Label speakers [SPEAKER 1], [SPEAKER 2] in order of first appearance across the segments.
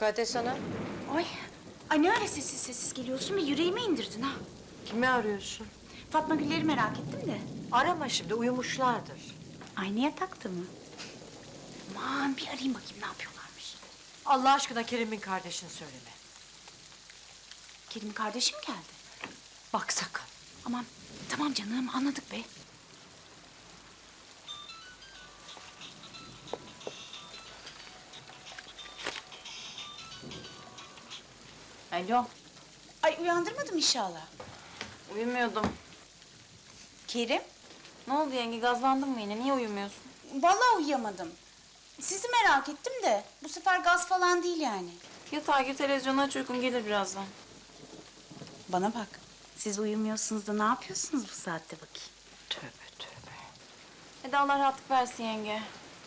[SPEAKER 1] Mukaddes Hanım.
[SPEAKER 2] Ay. Ay ne öyle sessiz sessiz geliyorsun ve yüreğime indirdin ha.
[SPEAKER 1] Kimi arıyorsun?
[SPEAKER 2] Fatma Güller'i merak ettim de.
[SPEAKER 1] Arama şimdi, uyumuşlardır.
[SPEAKER 2] Aynı yatakta mı? Aman bir arayayım bakayım ne yapıyorlarmış.
[SPEAKER 1] Allah aşkına Kerim'in kardeşini söyleme.
[SPEAKER 2] Kerim'in kardeşi mi geldi?
[SPEAKER 1] Bak sakın.
[SPEAKER 2] Aman tamam canım anladık be.
[SPEAKER 3] Alo,
[SPEAKER 2] Ay uyandırmadım inşallah.
[SPEAKER 3] uyumuyordum.
[SPEAKER 2] Kerim?
[SPEAKER 3] Ne oldu yenge, gazlandın mı yine? Niye uyumuyorsun?
[SPEAKER 2] Vallahi uyuyamadım. Sizi merak ettim de bu sefer gaz falan değil yani.
[SPEAKER 3] Yatağa gir, televizyonu aç, uykun gelir birazdan.
[SPEAKER 2] Bana bak. Siz uyumuyorsunuz da ne yapıyorsunuz bu saatte bakayım?
[SPEAKER 1] Tövbe tövbe.
[SPEAKER 3] Hadi Allah rahatlık versin yenge.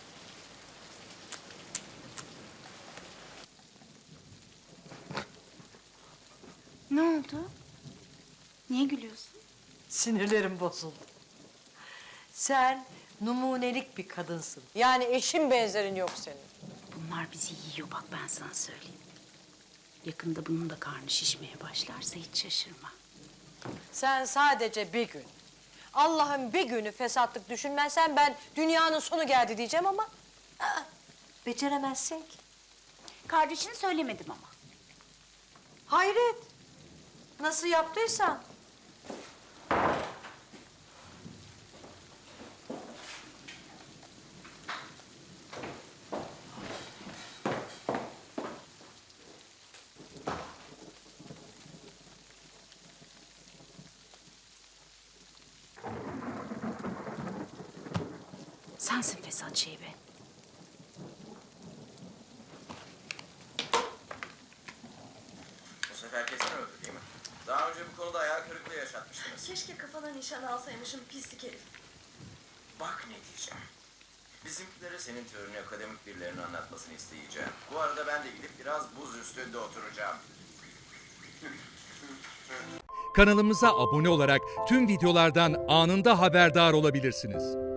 [SPEAKER 2] Ne oldu? Niye gülüyorsun?
[SPEAKER 1] Sinirlerim bozuldu. Sen numunelik bir kadınsın. Yani eşin benzerin yok senin.
[SPEAKER 2] Bunlar bizi yiyor bak ben sana söyleyeyim. Yakında bunun da karnı şişmeye başlarsa hiç şaşırma.
[SPEAKER 1] Sen sadece bir gün, Allah'ın bir günü fesatlık düşünmezsen ben dünyanın sonu geldi diyeceğim ama... beceremezsin ki.
[SPEAKER 2] Kardeşini söylemedim ama.
[SPEAKER 1] Hayret. Nasıl yaptıysan.
[SPEAKER 2] Sensin fesat şeybe.
[SPEAKER 4] Bu sefer kesin öldü değil mi? Daha önce bu konuda hayal kırıklığı yaşatmıştınız.
[SPEAKER 5] Keşke kafana nişan alsaymışım pislik herif.
[SPEAKER 4] Bak ne diyeceğim. Bizimkilere senin teorini akademik birilerinin anlatmasını isteyeceğim. Bu arada ben de gidip biraz buz üstünde oturacağım.
[SPEAKER 6] Kanalımıza abone olarak tüm videolardan anında haberdar olabilirsiniz.